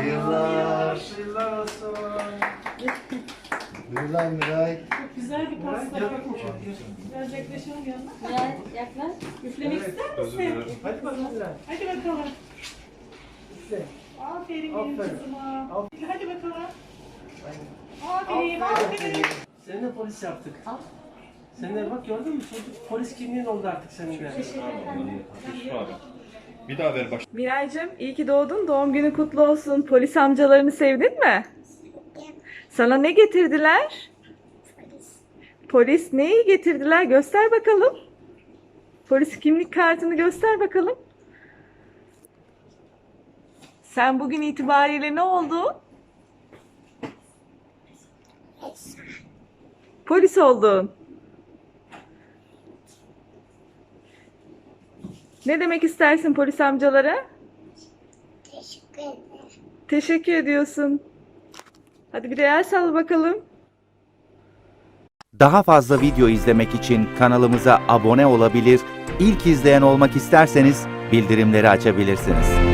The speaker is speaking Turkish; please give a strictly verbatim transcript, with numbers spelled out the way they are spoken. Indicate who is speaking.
Speaker 1: Hayırlar.
Speaker 2: Hayırlar olsun.
Speaker 1: Buyur lan Miray.
Speaker 3: Çok güzel bir pasta yapmış. Biraz yaklaşalım yanına.
Speaker 4: Ya yaklaş.
Speaker 3: Üflemek ister misin?
Speaker 2: Hadi bakalım.
Speaker 3: Hadi bakalım.
Speaker 2: İşte.
Speaker 3: Aferin benim
Speaker 2: Aferin.
Speaker 3: kızıma.
Speaker 2: Aferin.
Speaker 3: Hadi bakalım. Aferin, aferin.
Speaker 2: Seni de polis yaptık.
Speaker 4: Al.
Speaker 2: Sen de bak gördün mü? Çocuk polis kimliğin oldu artık senin de.
Speaker 5: Bir daha ver baş.
Speaker 6: Miraycığım iyi ki doğdun. Doğum günü kutlu olsun. Polis amcalarını sevdin mi? Sana ne getirdiler? Polis neyi getirdiler? Göster bakalım. Polis kimlik kartını göster bakalım. Sen bugün itibariyle ne oldun? Polis oldun. Ne demek istersin polis amcalara?
Speaker 7: Teşekkür ederim.
Speaker 6: Teşekkür ediyorsun. Hadi bir de el salla bakalım.
Speaker 8: Daha fazla video izlemek için kanalımıza abone olabilir, ilk izleyen olmak isterseniz bildirimleri açabilirsiniz.